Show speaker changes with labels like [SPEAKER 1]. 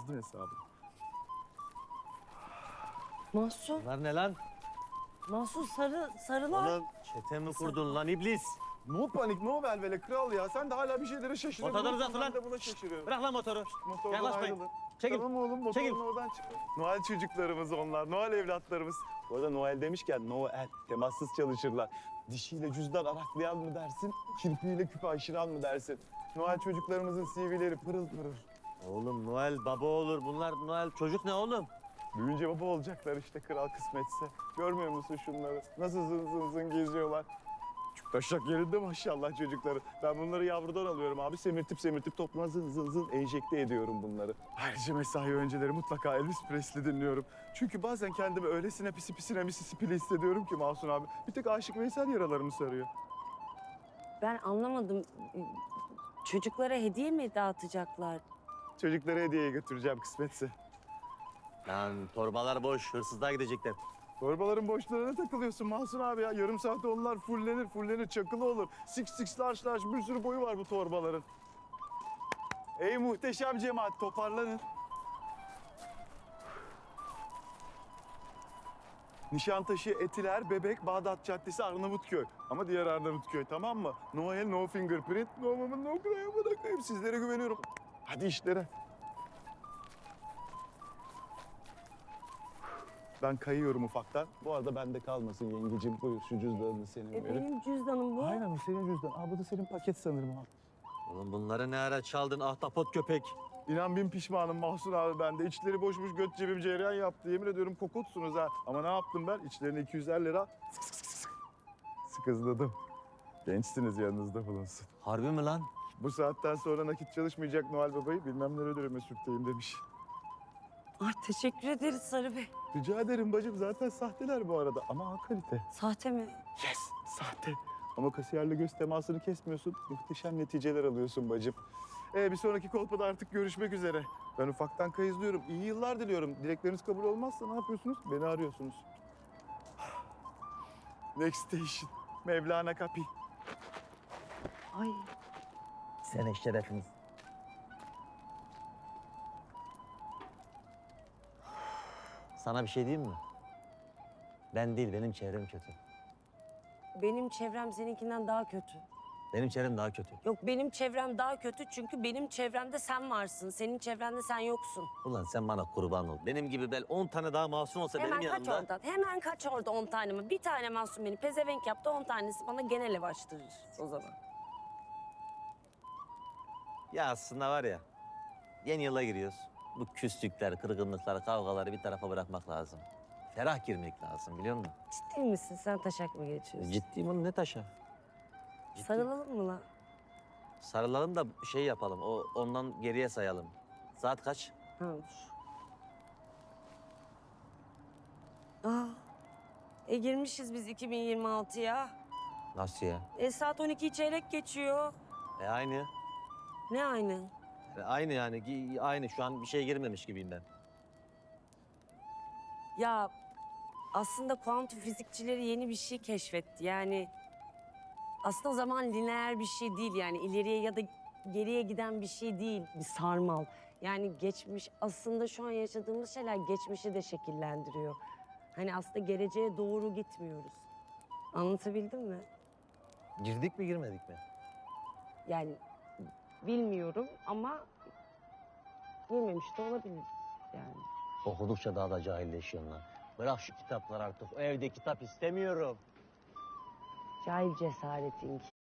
[SPEAKER 1] Bozdun hesabını.
[SPEAKER 2] Mahsun,
[SPEAKER 3] Bunlar ne lan?
[SPEAKER 2] Mahsun sarılar.
[SPEAKER 3] Oğlum çete mi kurdun lan iblis?
[SPEAKER 1] No panik, no velvele kral ya. Sen de hala bir şeylere şaşırıyorsun.
[SPEAKER 3] Motorları uzatın lan.
[SPEAKER 1] Ben de buna şaşırıyorum.
[SPEAKER 3] Bırak lan motoru.
[SPEAKER 1] Motordan
[SPEAKER 3] Yaklaşmayın.
[SPEAKER 1] ayrılın.
[SPEAKER 3] Çekil.
[SPEAKER 1] Tamam oğlum, motorun
[SPEAKER 3] Çekil.
[SPEAKER 1] oradan çıkın. Noel çocuklarımız onlar, Noel evlatlarımız. Bu arada Noel demişken Noel, temassız çalışırlar. Dişiyle cüzdan araklayan mı dersin, kirpiğiyle küpe aşıran mı dersin? Noel çocuklarımızın CV'leri pırıl pırıl.
[SPEAKER 3] Oğlum Noel baba olur. Bunlar Noel çocuk ne oğlum?
[SPEAKER 1] Büyüyünce baba olacaklar işte kral kısmetse. Görmüyor musun şunları? Nasıl zın zın zın geziyorlar. Çok taşak yerinde maşallah çocukları. Ben bunları yavrudan alıyorum abi. Semirtip topluma zın zın zın enjekte ediyorum bunları. Ayrıca mesai önceleri mutlaka Elvis Presley dinliyorum. Çünkü bazen kendimi öylesine pisine Mississippi'li hissediyorum ki Mahsun abi. Bir tek Aşık Veysel yaralarımı sarıyor.
[SPEAKER 2] Ben anlamadım. Çocuklara hediye mi dağıtacaklar?
[SPEAKER 1] Çocuklara hediye götüreceğim kısmetse.
[SPEAKER 3] Lan torbalar boş. Hırsızlığa gidecekler.
[SPEAKER 1] Torbaların boşluğuna takılıyorsun Mahsun abi ya. Yarım saatte onlar fullenir, çakılı olur. Six large bir sürü boyu var bu torbaların. Ey muhteşem cemaat, toparlanın. Nişantaşı, Etiler, Bebek, Bağdat Caddesi, Arnavutköy. Ama diğer Arnavutköy, tamam mı? No el, no fingerprint, no woman, no cry. Bırakayım, sizlere güveniyorum. Hadi işlere. Ben kayıyorum ufaktan. Bu arada bende kalmasın yengeciğim. Buyur şu cüzdanını senin verin.
[SPEAKER 2] Benim cüzdanım bu.
[SPEAKER 1] Aynen o senin cüzdan. Aa, bu da senin paket sanırım abi.
[SPEAKER 3] Oğlum bunları ne ara çaldın ahtapot köpek?
[SPEAKER 1] İnan bin pişmanım Mahsun abi ben de. İçleri boşmuş göt cebim cereyan yaptı. Yemin ediyorum kokutsunuz ha. Ama ne yaptım ben? İçlerine 250 lira sıkızladım. Gençsiniz yanınızda bulunsun.
[SPEAKER 3] Harbi mi lan?
[SPEAKER 1] Bu saatten sonra nakit çalışmayacak Noel Baba'yı bilmem nerelere mesürtteyim demiş.
[SPEAKER 2] Ay teşekkür ederiz Sarı Bey.
[SPEAKER 1] Rica ederim bacım zaten sahteler bu arada ama ha kalite.
[SPEAKER 2] Sahte mi?
[SPEAKER 1] Yes, sahte. Ama kasiyerle göz temasını kesmiyorsun. Muhteşem neticeler alıyorsun bacım. Bir sonraki kolpada artık görüşmek üzere. Ben ufaktan kayızlıyorum. İyi yıllar diliyorum. Dilekleriniz kabul olmazsa ne yapıyorsunuz? Beni arıyorsunuz. Next station. Mevlana Kapi.
[SPEAKER 2] Ay
[SPEAKER 3] Sen şerefiniz. Sana bir şey diyeyim mi? Ben değil, benim çevrem kötü.
[SPEAKER 2] benim çevrem seninkinden daha kötü.
[SPEAKER 3] Benim çevrem daha kötü.
[SPEAKER 2] Yok benim çevrem daha kötü çünkü benim çevremde sen varsın. Senin çevrende sen yoksun.
[SPEAKER 3] Ulan sen bana kurban ol. Benim gibi 10 tane daha masum olsa
[SPEAKER 2] Hemen
[SPEAKER 3] benim
[SPEAKER 2] kaç
[SPEAKER 3] yanımda...
[SPEAKER 2] oradan. Hemen kaç orada 10 tane mi? Bir tane masum beni pezevenk yaptı 10 tanesi bana genel ev açtırır o zaman.
[SPEAKER 3] Ya aslında var ya, yeni yıla giriyoruz. Bu küslükler, kırgınlıklar, kavgaları bir tarafa bırakmak lazım. Ferah girmek lazım biliyor musun?
[SPEAKER 2] Ciddi misin? Sen taşak mı geçiyorsun?
[SPEAKER 3] Ciddiyim oğlum, ne taşa? Ciddi.
[SPEAKER 2] Sarılalım mı lan?
[SPEAKER 3] Sarılalım da şey yapalım, ondan geriye sayalım. Saat kaç?
[SPEAKER 2] Ha. Aa, girmişiz biz 2026'ya.
[SPEAKER 3] Nasıl ya?
[SPEAKER 2] Saat 12 çeyrek geçiyor.
[SPEAKER 3] Aynı.
[SPEAKER 2] Ne aynı?
[SPEAKER 3] Aynı yani, aynı. Şu an bir şey girmemiş gibiyim ben.
[SPEAKER 2] Ya aslında kuantum fizikçileri yeni bir şey keşfetti. Yani aslında zaman lineer bir şey değil yani ileriye ya da geriye giden bir şey değil. Bir sarmal. Yani geçmiş aslında şu an yaşadığımız şeyler geçmişi de şekillendiriyor. Hani aslında geleceğe doğru gitmiyoruz. Anlatabildim mi?
[SPEAKER 3] Girdik mi girmedik mi?
[SPEAKER 2] Yani bilmiyorum ama girmemiş de olabilir yani.
[SPEAKER 3] Okudukça daha da cahilleşiyorsun lan. Bırak şu kitaplar artık. O evde kitap istemiyorum.
[SPEAKER 2] Cahil cesaretin